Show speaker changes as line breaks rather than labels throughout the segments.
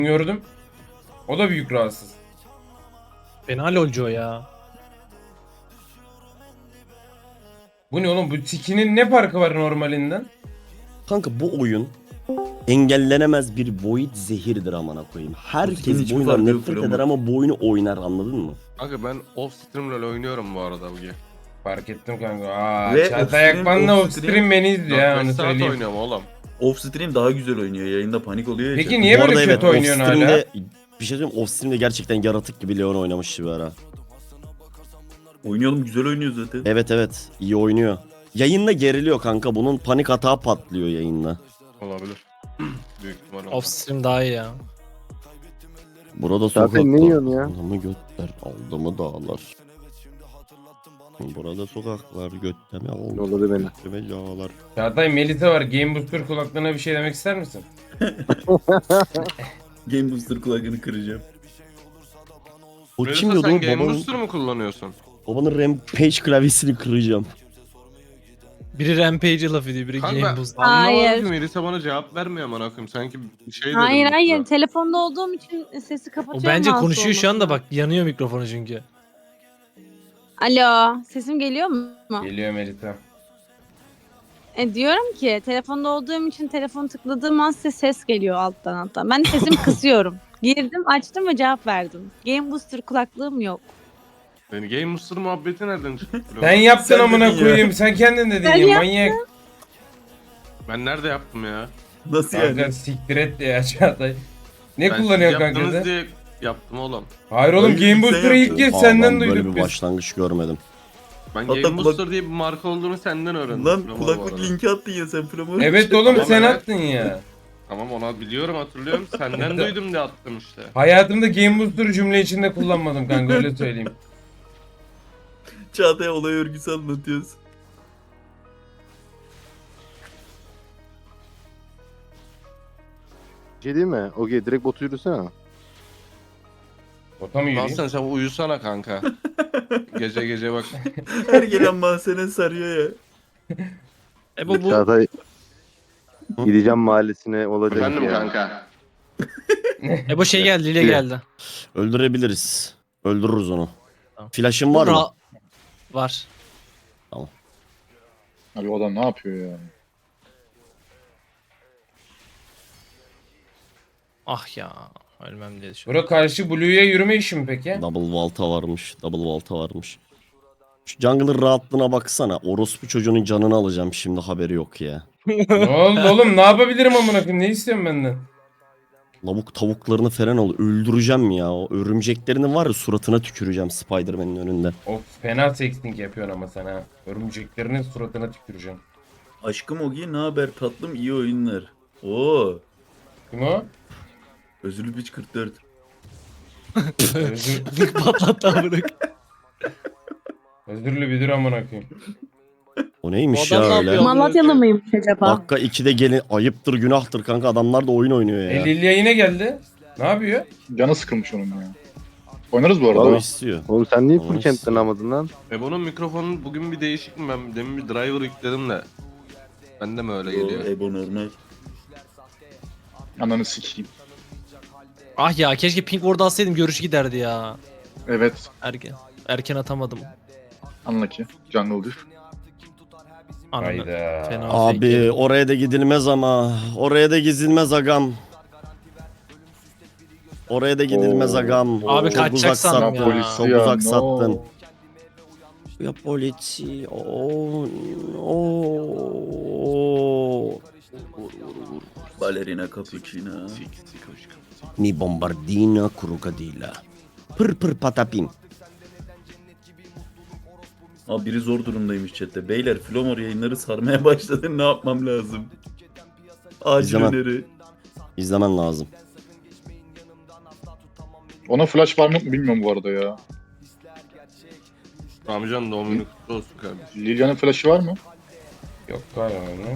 gördüm. O da büyük rahatsız.
Fena lolcu o ya.
Bu ne oğlum? Bu tikinin ne farkı var normalinden?
Kanka bu oyun engellenemez bir void zehirdir amına koyayım.
Sikinin
Herkes
hiçbir
bu oyundan
farkı yok
nefret
Fromo.
eder ama bu oyunu oynar, anladın mı?
Kanka ben off stream LoL oynuyorum bu arada bugün.
Fark ettim kanka. Aa,
Ve
Çağatay
off-stream-
Akman'la
off-stream-
off-stream beni izliyor ya,
4-5
onu
saat
söyleyeyim.
oynuyorum oğlum.
Off stream daha güzel oynuyor. Yayında panik oluyor ya.
Peki
chat.
niye
Bu
böyle
arada
kötü
evet,
oynuyorsun hala?
off-stream'de bir şey söyleyeyim, off-stream'de gerçekten yaratık gibi Leon oynamıştı bir ara.
Oynayalım, güzel oynuyor zaten.
Evet evet, iyi oynuyor. Yayında geriliyor kanka, bunun panik hata patlıyor yayında.
Olabilir. Büyük ihtimal
Off stream daha iyi ya.
Burada
Zaten
sokaklar,
ne yiyorsun ya?
aldı götler, aldı mı dağlar. Burada sokaklar, götte mi aldı,
Yolladı beni.
götte mi dağlar.
Çağatay Melisa var. Game Booster kulaklığına bir şey demek ister misin?
Game Booster kulakını kıracağım.
O
Melisa,
kim diyordu
sen
o?
Game
Babanın,
Booster mu kullanıyorsun?
babanın Rampage klavyesini kıracağım.
Biri Rampage laf ediyor, biri
Kanka
Game
ben
Boost.
anlamadım
Hayır.
ki Melisa bana cevap vermiyor amına koyayım. Sanki bir şey dedim.
Hayır hayır.
burada.
Telefonda olduğum için sesi
O
kapatıyorum.
bence
rahatsız
konuşuyor şu anda,
olmasına.
bak yanıyor mikrofonu çünkü.
Alo. Sesim geliyor mu?
Geliyor Melisa.
Diyorum ki telefonda olduğum için telefonu tıkladığım an size ses geliyor alttan. Ben de sesimi kısıyorum. Girdim, açtım ve cevap verdim. Game Booster kulaklığım yok.
Yani Game Booster muhabbeti nereden çıktı?
Sen yaptın
Sen
amına
dedin ya.
koyayım. Sen kendin dedin
Ben
ya
yaptım.
manyak.
Ben nerede yaptım ya?
Nasıl yani?
Kanka siktir et de ya Çağatay. Ne
Ben
kullanıyorsun
siz
kanka
yaptınız
sen?
diye yaptım oğlum.
Hayır oğlum,
Hayır,
Game
sen
Booster'ı ilk
yaptın.
kez
Aa,
senden
ben böyle
duyduk
bir
biz.
başlangıç görmedim.
Ben
Hatta
Game
kulak-
Booster diye bir marka olduğunu senden öğrendim.
Lan
Tamam, bu
kulaklık
arada.
linki attın ya sen Fromo.
Evet oğlum,
Tamam,
sen
evet.
attın ya.
Tamam, onu biliyorum, hatırlıyorum. Senden duydum diye attım işte.
Hayatımda Game Booster'ı cümle içinde kullanmadım kanka, öyle söyleyeyim.
Çağatay'a olay örgüsü anlatıyoruz.
Bir şey değil mi? Okey, direkt botu yürüsene.
Ota mı yürüyeyim?
Hasan sen uyusana kanka. Gece gece bak.
Her gelen mahzene sarıyor ya.
Bu
Çağatay gideceğim mahallesine olacak
Efendim
ya.
kanka.
bu şey geldi, Lile geldi.
Öldürebiliriz. Öldürürüz onu.
Tamam.
Flash'ın var mı?
Var.
Abi o adam ne yapıyor ya?
Ah ya. Ölmem diye düşündüm.
Bura karşı Blue'ya yürüme işi mi peki?
Double Vault'a varmış. Double Vault'a varmış. Şu jungle'ın rahatlığına baksana. Orospu çocuğunun canını alacağım şimdi, haberi yok ya.
Ne oldu oğlum, ne yapabilirim amına koyayım, ne istiyorsun benden?
Lavuk tavuklarını falan al. Öldüreceğim ya. O örümceklerini var ya, suratına tüküreceğim Spider-Man'in önünde.
Of, fena sexting yapıyorsun ama sen ha. Örümceklerinin suratına tüküreceğim.
Aşkım Ogi, ne haber tatlım, iyi oyunlar. Oo.
Kim o?
Özürlü piç 44.
Özür,
Link patlattı amına.
özürlü bir dur amına koyayım.
O neymiş
O adam
ya
ne
öyle?
yapıyor?
Malatyalı mıymış acaba?
Dakika 2'de gelin. Ayıptır günahtır kanka, adamlar da oyun oynuyor ya.
Lilya yine geldi. Ne yapıyor?
Canı sıkılmış onun ya. Oynarız bu arada.
O istiyor.
Oğlum sen niye
Tamam.
full camp'ten almadın lan?
Bunun mikrofonu bugün bir değişik mi? Ben demin bir driver yükledim de. Bende mi öyle
O
geliyor?
Ebo normal.
Ananı sikeyim.
Ah ya, keşke pink orada alsaydım, görüş giderdi ya.
Evet.
Erken atamadım.
Unlucky. Jungle diff.
Anladım.
Hayda.
Fena
Abi
fake.
oraya da gidilmez ama. Oraya da gidilmez agam. Oraya da gidilmez
Oo.
agam.
Abi
Çok
kaçacak
uzak
sandım
sattın.
ya.
Çok
Ya,
uzak
no.
sattın. Ya polisi. Oo. Oo.
Balerina cappuccino.
Mi bombardina crocodila. Pır pır patapim.
Abi biri zor durumdaymış chatte. Beyler Flomor yayınları sarmaya başladı. Ne yapmam lazım? Acil
İzlemem.
öneri.
İzlemen lazım.
Ona flash var mı bilmiyorum bu arada ya.
Amcan doğum günü kutlu olsun kardeşim.
Lilia'nın flash'ı var mı?
Yok galiba ne?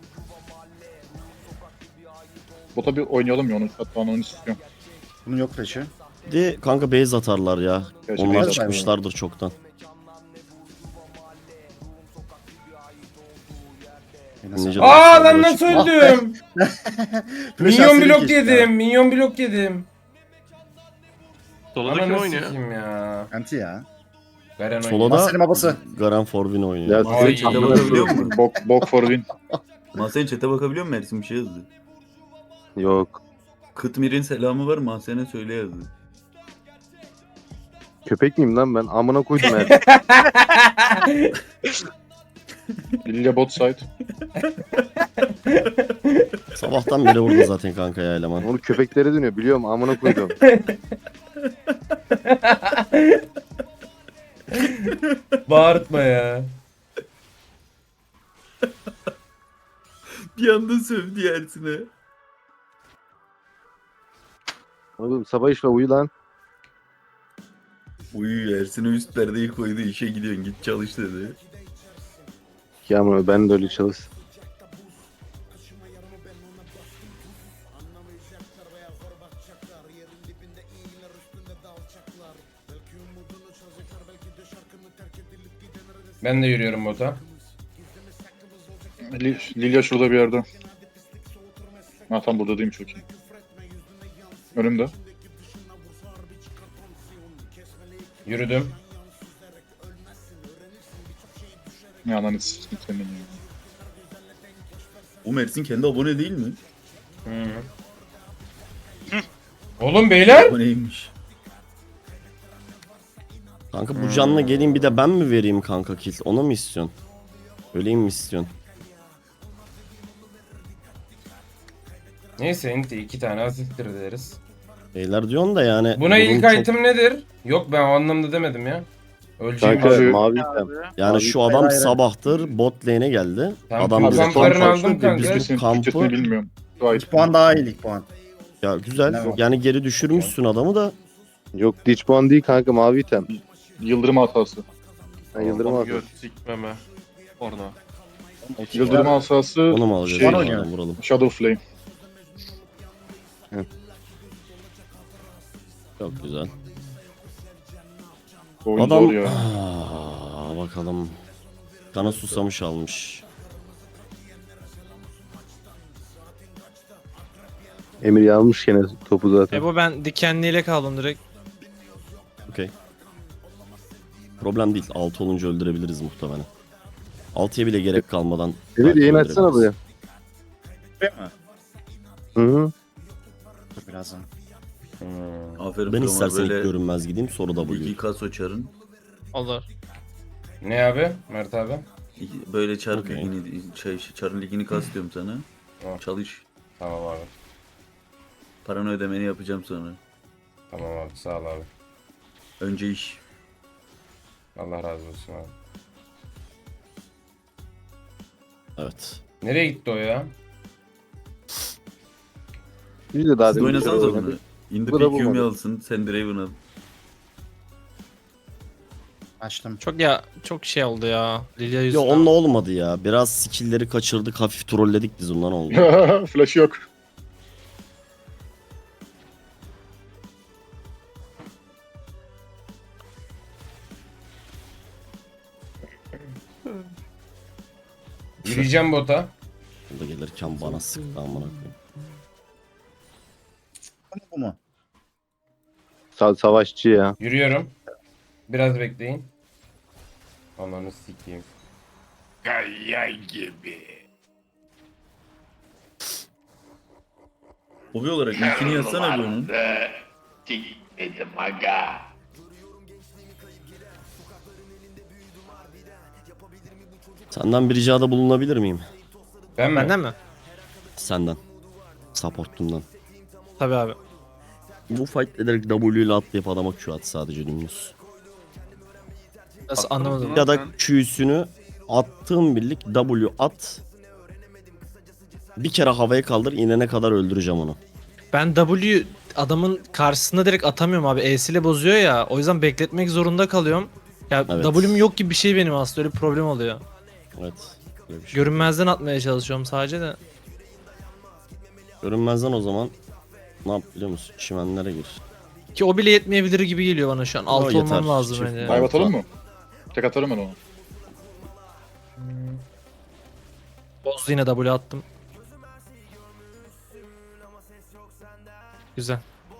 Bota bir oynayalım ya onu. Hatta onu istiyorum.
Bunun yok flash'ı.
Bir de kanka base atarlar ya.
Gerçi
Onlar
base
çıkmışlardır çoktan. Ninja
Aa
Dance
lan
server'a
nasıl
çıkma.
öldüm?
Flash
Minyon
atsaydı
blok
keşke
yedim. Minyon blok yedim.
Solada kim
Ananı
oynuyor?
sikeyim ya.
Anti ya.
Garen oynuyor.
Solada
Mahsen'in babası.
Garen Forvin oynuyor.
Ya
Mahsen
Ay.
chat'e bakabiliyor musun?
Bok for win.
Mahsen chat'e bakabiliyor musun? Ersin bir şey yazdı.
Yok.
Kıtmir'in selamı var, Mahsen'e söyle yazdı.
Köpek miyim lan ben? Amına koydum her.
Lilia bot side.
Sabahtan beri burada zaten kanka ya eleman.
Onu köpeklere dönüyor biliyorum amına koydum.
Bağırtma ya.
Bir anda sövdü Ersin'e.
Oğlum sabah işle uyu lan.
Uyu Ersin'e üst perdeyi koydu, işe gidiyorsun, git çalış dedi.
Ya ama ben de öyle çalış.
Ben de yürüyorum bota.
Lilia şurada bir yerde. Ha tam burada değil mi, çok iyi. Önümde.
Yürüdüm.
Ne ananı s**tim senin ya.
O Ersin kendi abone değil mi?
Hı. Oğlum beyler.
Aboneymiş.
Kanka bu canla geleyim bir de ben mi vereyim kanka kill? Onu mu istiyorsun? Öleyim mi istiyorsun?
Neyse enti 2 tane asittir deriz.
Beyler diyorsun da yani.
Buna
durum
ilk
çok-
item nedir? Yok ben o anlamda demedim ya. Öleceğim.
Kanka
Abi-
mavi item.
Yani şu adam sabahtır bot lane'e geldi.
Tamam,
Adam bize
kamplarını
kamp
aldım
açtı.
kanka.
Biz bu
Türkçesini
kampı
bilmiyorum. Gayet.
2 puan daha iyi lig puan.
ya güzel.
Ne var?
Yani geri düşürmüşsün adamı da.
Yok diç puan değil kanka mavi item.
Yıldırım hatası.
Ben yıldırım
Adam
aldım.
göt sikmeme. Orada.
Yıldırım hatası
Onu mu alacağız?
şey,
Şey,
oynuyor.
vuralım.
Shadow Flame.
Çok güzel.
Oyun
Adam
zor ya.
bakalım. Kana susamış almış.
Emir yazmış gene topu zaten.
Ebo ben dikenliyle kaldım direkt.
Okey. Problem değil. 6 olunca öldürebiliriz muhtemelen. 6'ya bile gerek kalmadan.
Emir
belki
yayın açsana buraya.
öldürebiliriz.
Hı hı.
Birazdan.
Aferin
Ben
Flomar,
istersen ilk
böyle
görünmez gideyim sonra W.
iki kaso çarın.
Olur.
Ne abi? Mert abi?
Böyle çar
Okey.
ligini, çarın ligini kas diyorum sana.
Tamam.
Çalış.
Tamam abi.
Paranı ödemeni yapacağım sonra.
Tamam abi sağ ol abi.
Önce iş.
Allah razı olsun abi.
Evet.
Nereye gitti o ya?
Biz de daha
Siz
demin
oynasanız
oynadık.
bunu. Indi
Bu da
pek Yumi
bulmadı.
alsın. Sen Draven al.
Açtım.
Çok şey oldu ya. Lilia
Ya
yüzünden.
onunla olmadı ya. Biraz skill'leri kaçırdık. Hafif trolledik biz ondan oldu.
Flash yok.
Yürüyeceğim bota.
Burada gelirken bana sıktı amına koyayım.
Bu mu?
Savaşçı ya.
Yürüyorum. Biraz bekleyin. Ananı sikeyim. Kaya gibi.
Hobi olarak ilkini yazsana bir onun.
Senden bir ricada bulunabilir miyim?
Ben mi?
Benden mi?
Senden. Supportumdan.
Tabii abi.
Bu fight ederek W ile atlayıp adama Q at sadece dümdüz.
Nasıl anlamadım.
Ya da Q'sünü attığım birlik W at. Bir kere havaya kaldır inene kadar öldüreceğim onu.
Ben W adamın karşısında direkt atamıyorum abi. E'siyle bozuyor ya. O yüzden bekletmek zorunda kalıyorum. Ya
Evet.
W'm yok gibi bir şey benim aslında. Öyle bir problem oluyor.
Evet. Öyle bir şey.
Görünmezden atmaya çalışıyorum sadece de.
Görünmezden o zaman ne yap biliyor musun? Çimenlere gir.
Ki o bile yetmeyebilir gibi geliyor bana şu an. Alt
yeter.
olmam lazım
Çift
bence.
var.
Dive atalım mı? Tek atarım ben onu.
Bozdu yine W attım. Güzel.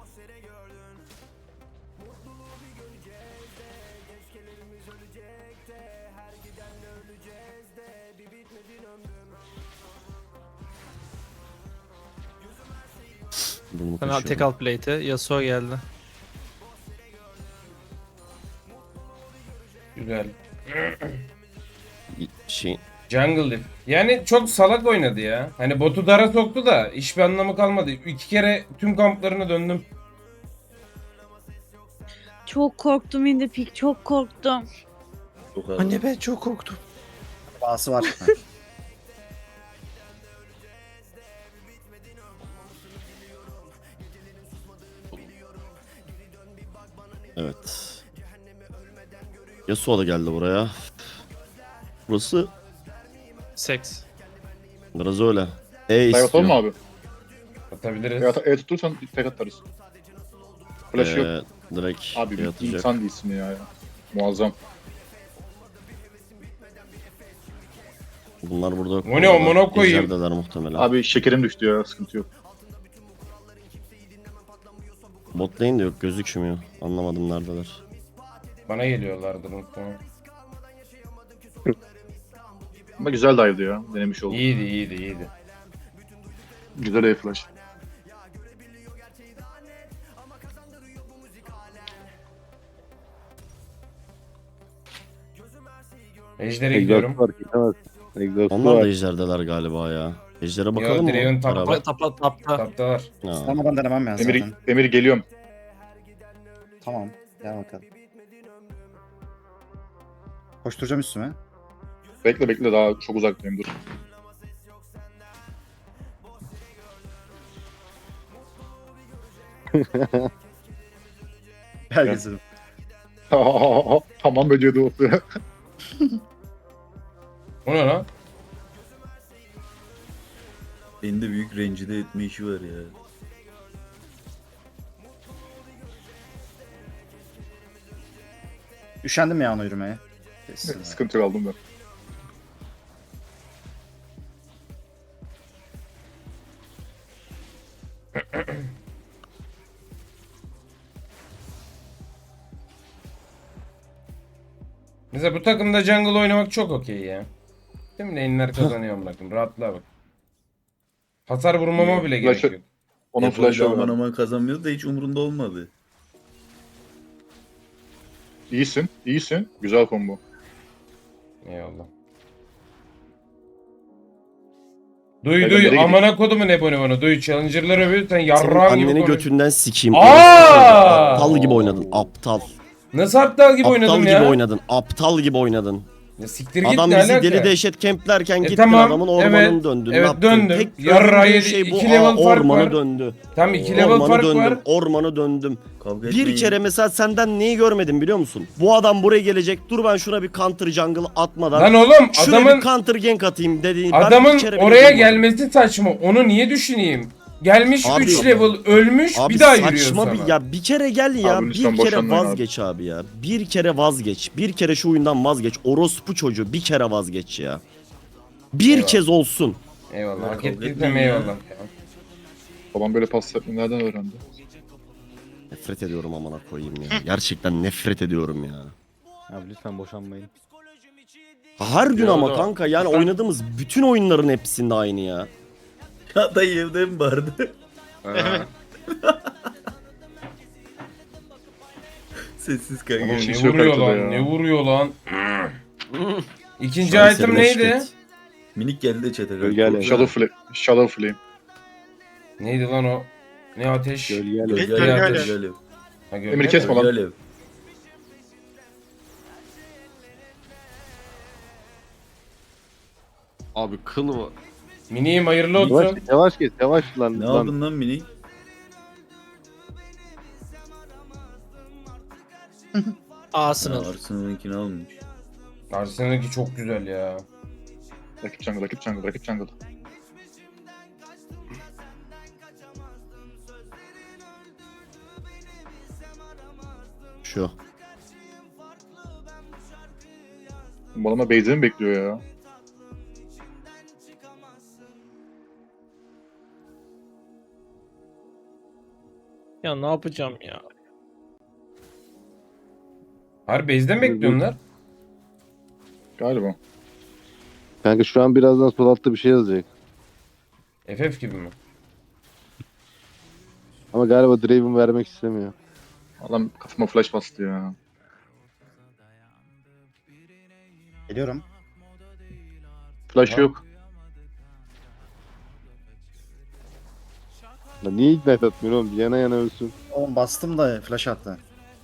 Bunu
Ben
kaçırdım.
tek al plate'e. Yasuo geldi.
Güzel.
Şey,
Jungle Diff. Yani çok salak oynadı ya. Hani botu dara soktu da hiçbir anlamı kalmadı. 2 kere tüm kamplarına döndüm.
Çok korktum in the peak, çok korktum.
Çok ağır.
Anne ben çok korktum.
Bağısı var. Ha.
evet. Yasuo da geldi buraya. Burası
Seks.
biraz öyle.
Dive atalım mı abi?
Atabiliriz.
Tutursan tek atarız. Flash yok.
Direkt
Abi bir
yatacak.
insan değilsin ya. Muazzam.
Bunlar burada yok.
O ne, amına koyayım?
Ejderdeler muhtemelen.
Abi şekerim düştü ya, sıkıntı yok.
Bot lane de yok, gözükmüyor. Anlamadım neredeler.
Bana geliyorlardı muhtemelen.
Ama güzel dive'dı ya, denemiş oldum.
İyiydi iyiydi iyiydi.
Güzel A-Flash.
Ejder'e gidiyorum.
Exhaust var. Gidemezsin. Exhaust
Onlar da
var.
ejderdeler galiba ya. Ejder'e bakalım
Draven
mı?
tapta.
Beraber.
Tapta.
Taptalar.
Ha.
Sınamadan denemem ya zaten.
Emir geliyorum.
Tamam. Gel bakalım. Koşturacağım üstüme.
Bekle daha çok uzaktayım, dur.
Gel gezelim.
Tamam böceği o.
O ne lan?
Beni de büyük rencide etme işi var ya.
Üşendim ya ona yürümeye. Kesin.
Sıkıntı yok, aldım ben.
Mesela bu takımda jungle oynamak çok okey ya. Tüm lane'ler kazanıyor bırakın. Rahatlığa bak. Hasar vurmama bile gerek
Flash'ı-
yok.
Onun flash'ı
aman
var.
aman kazanmıyordu da hiç umurunda olmadı.
İyisin. Güzel combo.
Eyvallah. Duy
Nereye gidiyor?
amına kodumu ne bana duy challenger'lar övüyor sen
Senin
yarrağım gibi
anneni
konuş.
götünden sikeyim.
Aa!
Aptal gibi oynadın. Aptal.
Nasıl aptal gibi
Aptal
oynadım
gibi
ya?
oynadın. Aptal gibi oynadın.
Ya siktir git
Adam
ne
bizi
alaka?
deli dehşet kemplerken gittin
tamam,
adamın ormanını
evet,
döndün.
evet,
Ne yaptın?
döndüm.
Tek
Yarrağı
gördüğün
yedi,
şey bu.
iki level fark
Ormanı
var.
döndü.
Tam 2 level
Ormanı
fark
döndüm.
var.
Ormanı döndüm.
Kavga etmeyin.
Bir kere mesela senden neyi görmedim biliyor musun? Bu adam buraya gelecek. Dur ben şuna bir counter jungle atmadan.
Lan oğlum
Şuraya
adamın
bir counter gank atayım dediğin. ben
adamın
bir kere bile
oraya
duymadım.
gelmesi saçma. Onu niye düşüneyim? Gelmiş
Abi,
3 level ölmüş
Abi
bir daha yürüyor
saçma
sana.
bir ya bir kere gel ya
Abi
bir
lütfen
kere
boşanmayın abi.
vazgeç abi ya. Bir kere vazgeç. Bir kere şu oyundan vazgeç. Orospu çocuğu bir kere vazgeç ya. Bir
Eyvallah.
kez olsun.
Eyvallah. Hak
Kavga
ettiysem
etmeyin ya.
eyvallah. Ya.
Babam böyle pas yapmayı nereden öğrendi?
Nefret ediyorum amına koyayım ya. Gerçekten nefret ediyorum ya.
Abi lütfen boşanmayın.
Her gün
Ya
ama
da-
kanka yani oynadığımız bütün oyunların hepsinde aynı ya.
Ya dayı evde mi vardı?
Ha.
Sessiz
Oğlum
kanka.
ne
kimse yok
vuruyor
haritada
lan?
ya.
Ne vuruyor lan? İkinci
Şanseri
item
meşk
neydi?
et.
Minik geldi de çete.
Gölge
Shadow Flame.
Neydi lan o? Ne ateş?
Gölge
Gölge
ateş.
alev.
Ha, gölge
Emir
mi?
kesme lan.
Gölge alev.
Abi kıl var.
Miniyim hayırlı
Yavaş
olsun.
git, yavaş git, yavaş lan.
Ne
lan.
aldın lan minik?
Arsenal.
Arsenal'ınkini almış.
Arsenal'ınki çok güzel ya.
Rakip jungle.
Şu.
Bu adama base'ini mi bekliyor ya?
Ya ne yapacağım ya?
Harbi base'de mi bekliyorlar?
Galiba.
Kanka şu an birazdan sol altta bir şey yazacak.
FF gibi mi?
Ama galiba Draven vermek istemiyor.
Adam kafama flash bastı ya.
Geliyorum.
Flash yok.
Lan niye ignite atmıyor oğlum? Yana yana ölsün.
Oğlum bastım da flash attı.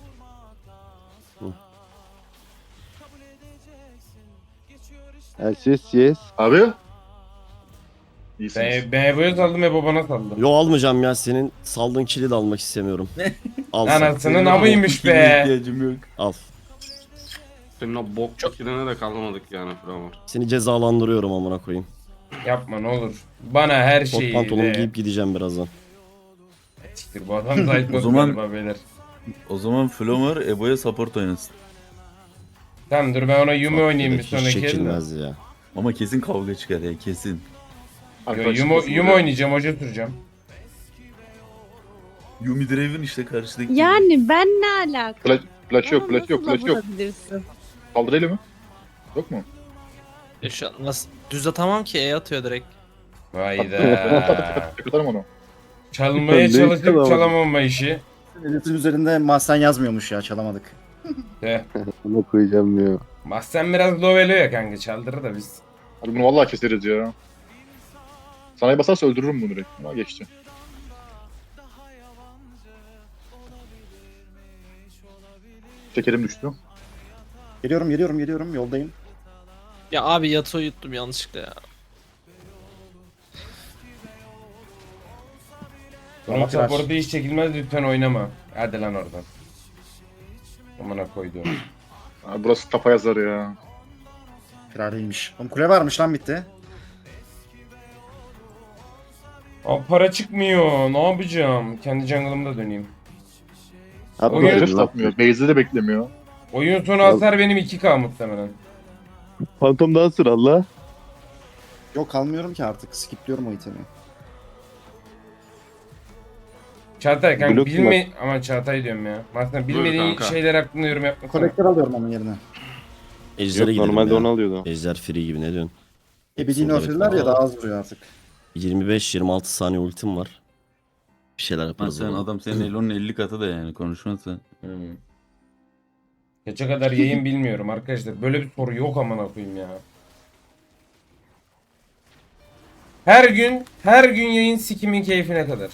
LCS yes.
Abi. İyisiniz.
Ben Ebo'ya saldım, Ebo bana saldı.
Yo almayacağım ya, senin saldığın kili de almak istemiyorum. Al sen.
Anasının amıymış
Kime
be.
ihtiyacım yok.
Al.
Senin o bok çekilene de kalmadık yani Flamor.
Seni cezalandırıyorum amına koyayım.
Yapma ne olur. Bana her
Kot
şeyi
pantolon
de.
giyip gideceğim birazdan.
Siktir, bu adam zayıf
O zaman-
galiba beyler.
O zaman Flomor Ebo'ya support oynasın.
Tamam dur ben ona Yumi oynayayım bir
Hiç
sonraki elde.
çekilmez ya.
Ama kesin kavga çıkar ya kesin.
Yo, Yumi oynayacağım, hoca süreceğim.
Yumi Draven işte karşıdaki.
Yani ben ne alaka?
Flash yok,
Bana
flash yok,
nasıl
flash yok.
vurabilirsin?
Kaldırayım mı? Yok mu?
Şu an nasıl düz atamam ki E atıyor direkt.
Vayda.
Yakaladım onu.
Çalmaya
Ne
çalışıp
yıkalamadın?
çalamama işi.
Editin üzerinde mahzen yazmıyormuş ya, çalamadık.
De.
Ona koyacağım diyor.
Mahsen biraz low elo ya kanka, çaldırır da biz.
Abi bunu vallahi keseriz ya. Sanayi basarsa öldürürüm bunu direkt. Ama geçti. Şekerim düştü.
Geliyorum yoldayım.
Ya abi Yasuo'yu yuttum yanlışlıkla ya.
Bunun
Ama flash.
support'u hiç çekilmez, lütfen oynama. Hadi lan oradan. Amına koyduğum.
Abi burası kafa yazar ya.
Firariymiş. Oğlum kule varmış lan, bitti.
Abi para çıkmıyor. Ne yapacağım? Kendi jungle'ımda döneyim.
Atma
Oyun-
Oyun
dedim lan.
satmıyor. Base'de de beklemiyor.
Oyun sonu hasar benim 2K muhtemelen.
Phantom Dancer Allah.
Yok kalmıyorum ki artık. Skipliyorum o itemi.
Çağatay kanka
Blok
bilme... Aman Çağatay diyorum ya. Aslında bilmediğin
kanka.
şeyler hakkında yorum yapma.
Kolektör alıyorum onun yerine.
Ejder'e
Yok
gidelim
normalde
ya.
onu alıyordu.
Ejder free gibi, ne diyorsun?
Ebediğini
Sol
öfürler
direkt
ya, daha az vuruyor artık.
25-26 saniye ultim var. Bir şeyler
Lan
yaparız.
sen
oğlum.
adam senin Elon'un 50 katı da yani konuşmazsa.
Geçe kadar yayın bilmiyorum arkadaşlar. Böyle bir soru yok amına koyayım ya. Her gün yayın sikimin keyfine kadar.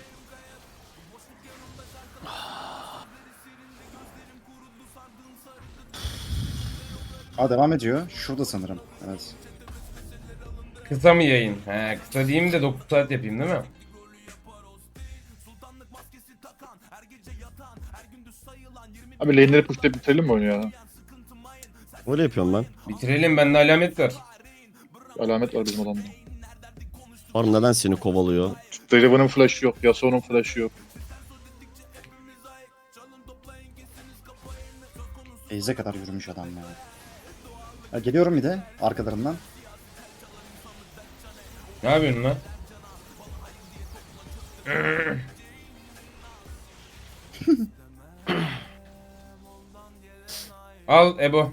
Aa, devam ediyor. Şurada sanırım. Evet.
Kısa mı yayın? He, kısa diyeyim de 9 saat yapayım değil mi?
Abi lane'leri pushlayıp bitirelim mi oyunu ya?
Öyle yapıyorum ben.
Bitirelim, bende alamet var.
Alamet var bizim adamda.
Var, neden seni kovalıyor?
Draven'ın flash'ı yok. Yasuo'nun flash'ı yok.
Eze kadar yürümüş adam ya. Ya geliyorum bir de arkalarından.
Ne yapıyorsun lan? Al Ebo.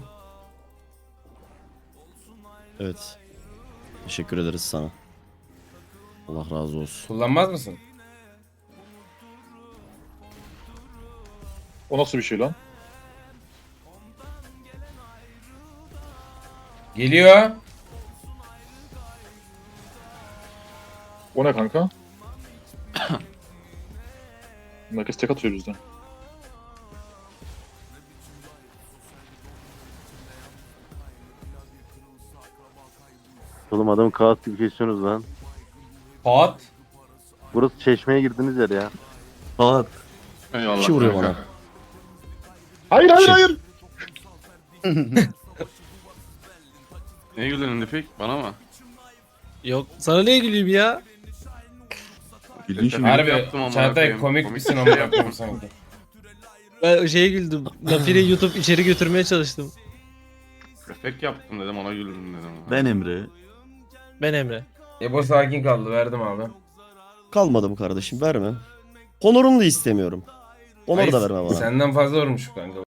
Evet. Teşekkür ederiz sana. Allah razı olsun.
Kullanmaz mısın?
O nasıl bir şey lan?
Geliyor.
O ne kanka? Herkes tek atıyor bizden.
Oğlum adamı kağıt gibi kesiyorsunuz lan.
Pat.
Burası çeşmeye girdiniz yer ya.
Saat.
Eyvallah.
Kişi vuruyor
kanka.
bana.
Hayır hayır
Şey-
hayır.
Niye güldün Nefik? Bana mı?
Yok sana niye güleyim ya?
Bildiğin şimdi.
Harbi
yaptım amına
Çağatay
koyayım.
komik
Komik
misin
bir
amına
şey
koyayım
yaptım.
sanki.
Ben o şeye güldüm. Nafire YouTube içeri götürmeye çalıştım.
Efekt yaptım dedim, ona güldüm dedim.
Ben Emre.
Ben Emre.
Ebo sakin kaldı, verdim abi.
Kalmadım kardeşim, verme. Honor'unu da istemiyorum. Honor da
Hayır,
verme bana.
Senden fazla vurmuş kanka.